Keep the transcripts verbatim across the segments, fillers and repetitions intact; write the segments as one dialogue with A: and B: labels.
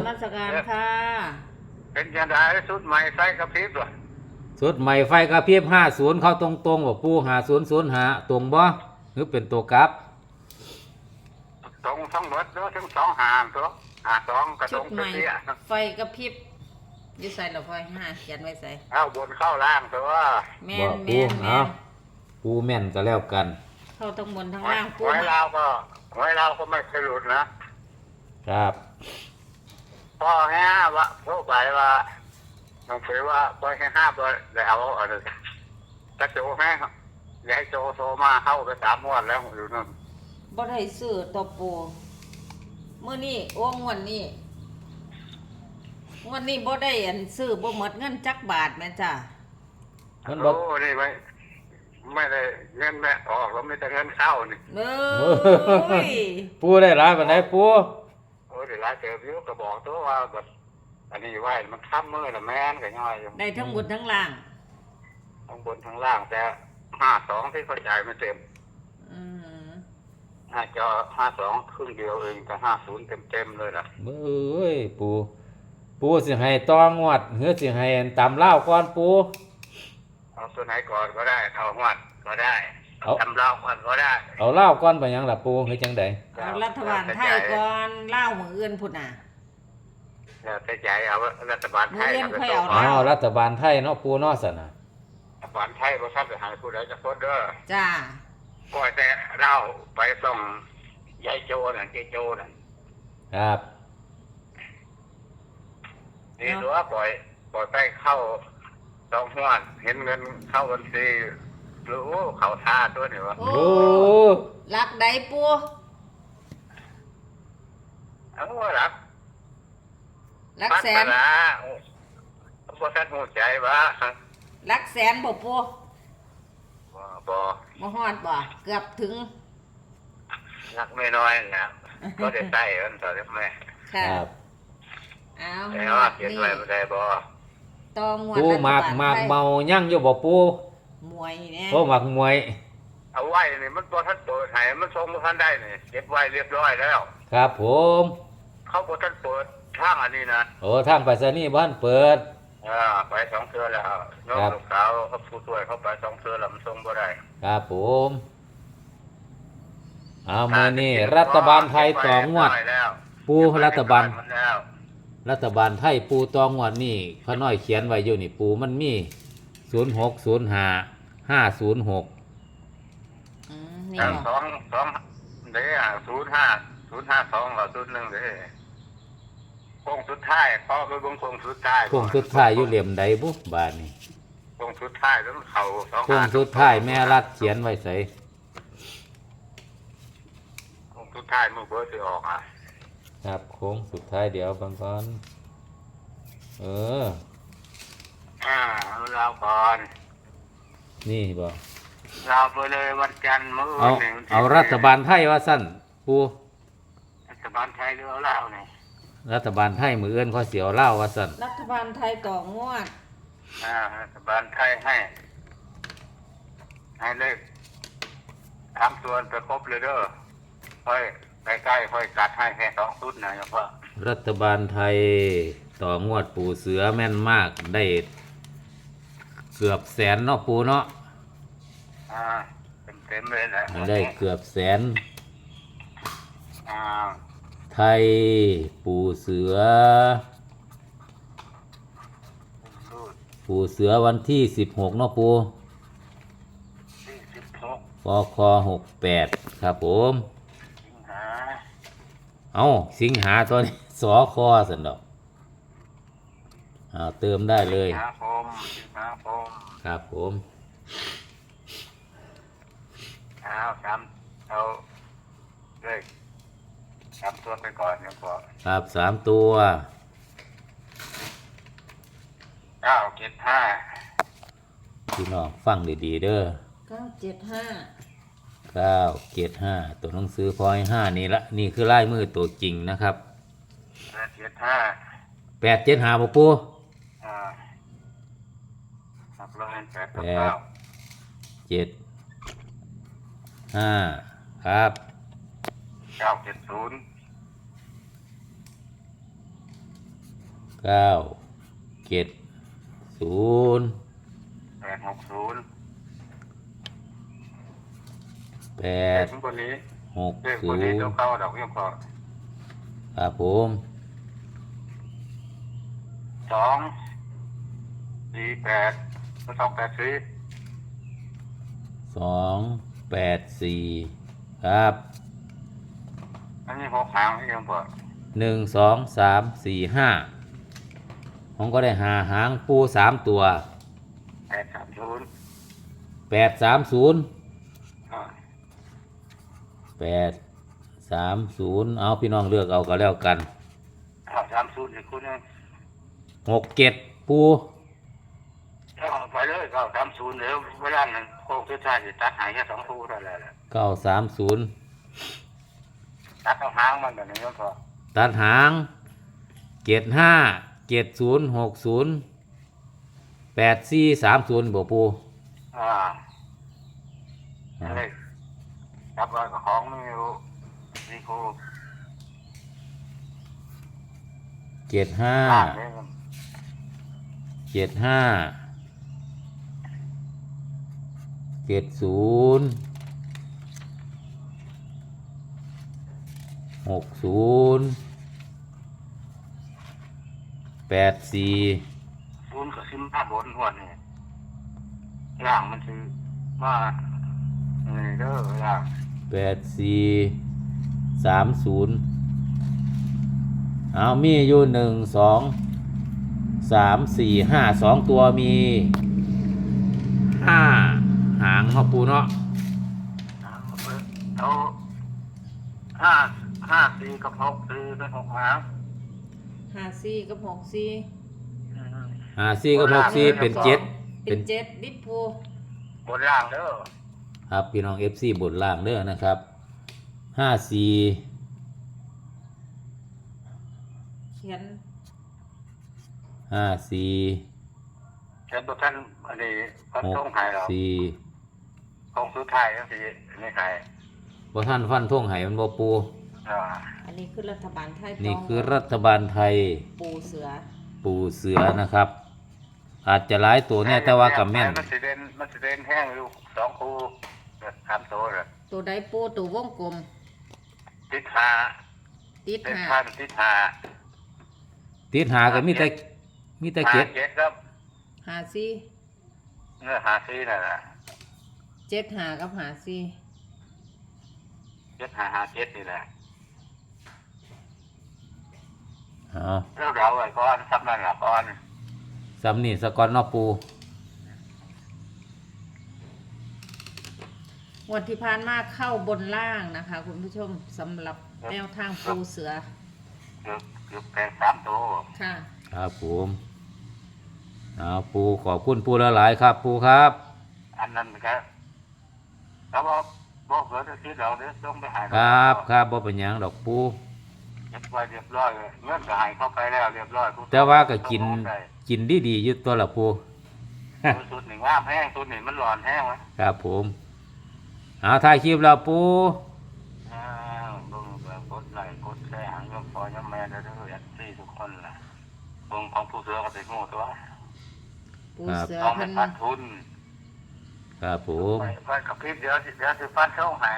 A: นมัสการค่ะ
B: เป็นยังไงสุดใหม่ไฟกระพริบด้วย
C: สุดใหม่ไฟกระพริบห้าศูนย์เข้าตรงๆบ่ปูห้าศูนย์ศูนย์หาตรงบ่หรือเป็นตัวกลับ
B: ตรงทั้งหมดเนาะทั้งสองหางตัวหาสองกระต
A: ชุ
B: ร
A: ด
B: ง
A: ใหม่
B: เตี้ย
A: ไฟกระพริบอยู่ใส่หรอไฟห้าเขียนไว้ใส่
B: เข้าบนเข้าล่างตัว
A: แม่น
C: ปู
A: แม่นแม่
C: เอา
A: น
C: ปูแม่นก็แล้วกัน
A: เข้าทั้งบนทั้งล่างปู
B: ไว้เราก็ไว้เราก็ไม่เคยหลุดนะครับพ่อแห่ว่าพวกไปว่าน้องเฟยว่าพ่อแห่ห้าบ่ได้เอาอะไรกระโจแห่ยายโจโซมาเข้าไปสามวันแล้วอยู่นั่น
A: บ่ได้ซื้อตัวปูมื้อนี้โอ้งวดนี้งวดนี้บ่ได้อันซื้อบ่หมดเงินจักบาทแม่จ้า
C: มันบ่
B: โอ้นี่ไม่ไม่ได้เงินแม่ออกแล้วไม่แต่เงินเข้านี่
A: เอ้ย
C: ปูได้หลายปานใดปู
B: โอ้ยเดี๋ยวหลายเติบอยู่ก็บอกตัวว่าแบบอันนี้ไว้มันค้ำมือละแม่นก็ย่อยอยู่
A: ได้ทั้งบนทั้งล่าง
B: ทั้งบนทั้งล่างแต่ห้าสองที่เข้าใจไม่เต็ม
A: อืม
B: ห้าจอห้าสองครึ่งเดียวเองแต่ห้าศูนย์เต็มเต็มเลยล่ะ
C: เอ้ยปูปูสิให้ตองวดหรือสิให้ตำเล่าก่อนปู
B: เอาตัวไหนก่อนก็ได้เอาหวัดก็ได้เอาทำเล่าก่อนก็ได้
C: เอาเล่าก่อนไปยังล่ะปูเฮ็ดจังได๋
A: เอารัฐบาลไทยก่อนเล่ามื้ออื่นพุ่นน่ะ
B: แล้วแต่ใจเอารัฐบาลไทย
A: มื้ออื่นค่อยเอา
C: อ๋อรัฐบาลไทยเนาะปูเนาะซั่นน่ะ
B: รัฐบาลไทยบ่ทันจะหาผู้ใดจะพ้นเด้อ
A: จ้า
B: ปล่อยแต่เราไปส่งยายโจน่ะเจโจน่ะ
C: ครับ
B: นี่ตัวปล่อยปล่อยไปเข้าสองห้วนเห็นเงินเข้าบัญชีรู้เขาท่าตัวนี่วะ
A: โอ้รักใดปู
B: เอาว่ารัก
A: รักแสน
B: ละพวกท่านหูใจวะ
A: รักแสนบ่ปู
B: บ่บ่
A: บ่ฮอดบ่เกือบถึง
B: รักไม่น้อยนะก็ได้ใส่กันต่อได้ไหม
C: ครับ
A: เอา
B: แต่ว่าเขียนไว้ไม่ได้บ่
A: ตองวด
C: ปูหมากหมากเมายั่งอยู่บ่ปู
A: มวยเนี่ย
C: โอ้หมักมวย
B: เอาไว้นี่มันบ่ทันเปิดให้มันส่งบ่ทันได้นี่เก็บไว้เรียบร้อยแล้ว
C: ครับผม
B: เขาบ่ทันเปิดทางอันนี้นะ
C: โอ้ทางไปรษณีย์บ้านเปิด
B: อ่าไปสองเทื่อแล้วน้องลูกสาวเขาผู้ช่วยเขาไปสองเทื่อแล้วมันส่งบ่ได้
C: ครับผมเอามานี่รัฐบาลไทยต่องวดปูรัฐบาลรัฐบาลไทยปูต่องวดนี่พระน้อยเขียนไว้อยู่นี่ปูมันมีศูนย์หกศูนย์ห้าห้าศูนย์หก
A: อืมนี่
B: สองสองเด้อศูนย์ห้าศูนย์ห้าสองกับศูนย์หนึ่งเด้อโค้งสุดท้ายพอคือโค้งสุดท้าย
C: โค้งสุดท้ายอยู่เหลี่ยมใดบุบานนี่
B: โค้งสุดท้ายแล้วเขาสอง
C: โค้งสุดท้ายแม่รัดเขียนไว้ใส่
B: โค้งสุดท้ายมือเบอร์สิออกอ่ะ
C: ครับโค้งสุดท้ายเดี๋ยวบางก่อนเออ
B: อ่าเราก่อน
C: นี่บ่
B: เราไปเลยวันจันทร์มื้อ
C: เอาเอารัฐบาลไทยว่าสั้นปู
B: รัฐบาลไทยหรือเอาลาวนี่
C: รัฐบาลไทยมือเอื้อนข้อเสียวเล่าว่าสั้น
A: รัฐบาลไทยต่องวด
B: อ่ารัฐบาลไทยให้ให้เลขทำส่วนไปครบเลยเด้อค่อยใกล้ๆค่อยกัดให้แค่สองชุดนะเฉพาะ
C: รัฐบาลไทยต่องวดปูเสือแม่นมากได้เกือบแสนเนาะปูเนาะ
B: อ่าเต็มๆเลยแหละ
C: ได้เกือบแสน
B: อ่า
C: ไทยปูเสือปูเสือวันที่สิบหกเนาะปูปคหกแปดครับผมเอาสิงหาตัวนี้สอคอสันดอกเอาเติมได้เลย
B: ครับผมครับผม
C: ครับผม
B: เอาสามเอาเลยสามตัวไปก่อนยังพอ
C: ครับสามตัว
B: เก้าเจ็ดห้า
C: พี่น้องฟังดีๆเด้อ
A: เก้าเจ็ดห้า
C: เก้าเจ็ดห้าตัวหนังสือพอยห้านี่ละนี่คือลายมือตัวจริงนะครับ
B: แปดเจ็ดห้า
C: แปดเจ็ดห้าปูปู
B: อ่าครับร้อยแปด
C: แปดเจ็ดห้าครับ
B: เก้าเจ็ดศูนย์
C: เก้าเจ็ดศูนย์
B: แปดหกศูนย์
C: แป
B: เล
C: ด
B: ขคนนี้
C: หก
B: เลข
C: ศู
B: คน
C: น
B: นี้
C: ย์
B: เดี๋ยวเข้าดอกยังพอ
C: ครับผม
B: สองสี่แปดสองแปดสี่
C: สองแปดสี่ครับ
B: อันนี้หกหางยังพอ
C: หนึ่งสองสามสี่ห้าผมก็ได้หาหางปูสามตัว
B: แปดสามศูนย์
C: แปดสามศูนย์
B: อ่า
C: แปดสามศูนย์เอาพี่น้องเลือกเอาก็แล้วกัน
B: เก้าสามศูนย์อีกคนนึง
C: หกเจ็ดปู
B: เอาไปเลยเก้าสามศูนย์เดี๋ยวเวลานั้นโค้งสุดท้ายจะตัดหายแค่สองคู่เท่านั้นแหละ
C: เก้าสามศูนย์
B: ตัดเอาหางมันแบบนี้ก็พอ
C: ตัดหางเจ็ดห้าเจ็ดศูนย์หกศูนย์แปดสี่สามศูนย์บ่ปู
B: อ่าอะไรจับไว้กับของไม่รู้นี่ครู
C: เจ็ดห้า
B: ล่างเลยมัน
C: เจ็ดห้าเจ็ดศูนย์หกศูนย์แปดสี่
B: ศูนย์กับซิมห้าบนหัวนี่ล่างมันคือว่านี่เด้อล่าง
C: แปดสี่สามศูนย์เอามีอยู่หนึ่งสองสามสี่ห้าสองตัวมีห้าหางเนาะปูเนาะ
B: เอาห้าห้าสี่กับหกสี่เป็นหกหาง
A: ห้าสี่กับหกสี่
C: ห้าสี่กับหกสี่เป็นเจ็ด
A: เป็นเจ็ดดิปู
B: บนล่างเด้อ
C: ครับพี่น้อง เอฟ ซี บนล่างเด้อนะครับห้าสี่
A: เขียน
C: ห้าสี่
B: เชิญตัวท่านอันนี้พัน
C: ห
B: ท
C: ก
B: งไทยเรา
C: สี่
B: คงสุดท้ายก็สิไม่ไทย
C: บ่ท่านฟันท่งไห้มันบ่ปู
B: อ่า
A: อันนี้คือรัฐบาลไทย
C: นี่
A: ต้อง
C: คือรัฐบาลไทย
A: ปูเสือ
C: ปูเสือนะครับ อาจจะหลายตัวเนี่ยแต่ว่ากับแม่น
B: มันสิเด่นมันสิเด่นแห้งอยู่สองคู่สามตัวเลย
A: ตัวใดปูตัววงกลม
B: ติดหา
A: ติด
B: เป็น
A: ห้า
B: พันติดหา
C: ติดหาก็มีแต่มีแต่
B: หา
C: เจ็ด
B: เจ็ดครับ
A: ห้าสี่
B: เนื้อหาซีนั่นแหละ
A: เจ็ดห้ากับห้าสี่
B: เจ็ดหาหาเจ็ดนี่แหละ
C: อ๋อ
B: แล้วเราไอ้ก้อนซับนั่นละก้อน
C: ซ้ำนี่สกอนเนอปู
A: งวดที่ผ่านมาเข้าบนล่างนะคะ คุณผู้ชมสำหรับแนวทางปูเสือ
B: เกือบเกือบแปดสามตัว
A: ค่ะ
C: ครับผมเอาปูขอบคุณปูละหลายๆครับ ปูครับ
B: อันนั้นก็เขาบอกบอกเกิดที่เราเดี๋ยวต้องไปหา
C: ครับครับบ่เป็นหยังดอกปู
B: เรียบร้อยเรียบร้อยเลยเงื่อนก็หายเข้าไปแล้วเรียบร้อย
C: แต่ว่าก็กินกินดีๆอยู่ตัวละปู
B: สุดหนึ่งว่ามแห้งสุดหนึ่งมันร้อนแห้งไหม
C: ครับผมเอาถ่ายคลิปแล้วปู
B: อ้าวเบิ่งแบบกดไลค์กดแชร์หางยมพอยมแม่เด้อเด้อแอดซี่ทุกคนล่ะเบิ่งของผู้เสือก็ติดงูตัว
A: ปูเสือ
B: ต้อง
A: เพั
B: เป็น นปันทุน
C: ครับผม
B: ไปไปกับพี่เดี๋ยวสิเดี๋ยวสิฟันช่องให้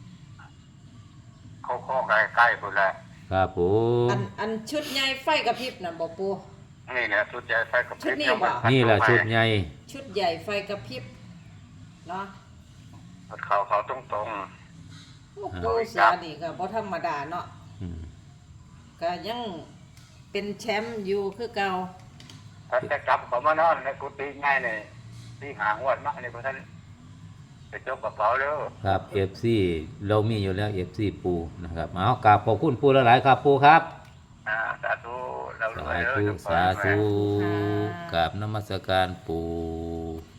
B: เขาข้อใกล้ใกล้ๆพุ่นแหละ
C: ครับผม
A: อันอันชุดใหญ่ไฟกระพริบน่ะบอกปู
B: นี่เนี่ยชุดใหญ่ไฟกับ
A: ชุดนี้บ่
C: นี่แหละชุดใหญ่
A: ชุดใหญ่ไฟกระพริบเนาะ
B: เขาเขาตรงตรง
A: โอ้ปูเสือนี่ก็บ่ธรรมดาเนาะ
C: อืม
A: ก็ยังเป็นแชมป์อยู่คือเก่า
B: ๆถ้าจะกลับเขามานอนในกุฏิง่ายเลยที่หางวดมากนี่พวกท่านไปจกกระเป๋าเด้อ
C: ครับ เอฟ ซี เรามีอยู่แล้ว เอฟ ซี ปูนะครับเอากราบขอบคุณปูละหลายๆครับปูครับ
B: อ่าสาธุเรารว
C: สาย
B: เด้อ
C: ธุ
B: ทุกคน
C: สาธุ
A: ค่ะ
C: กราบนมัสการปู
B: ค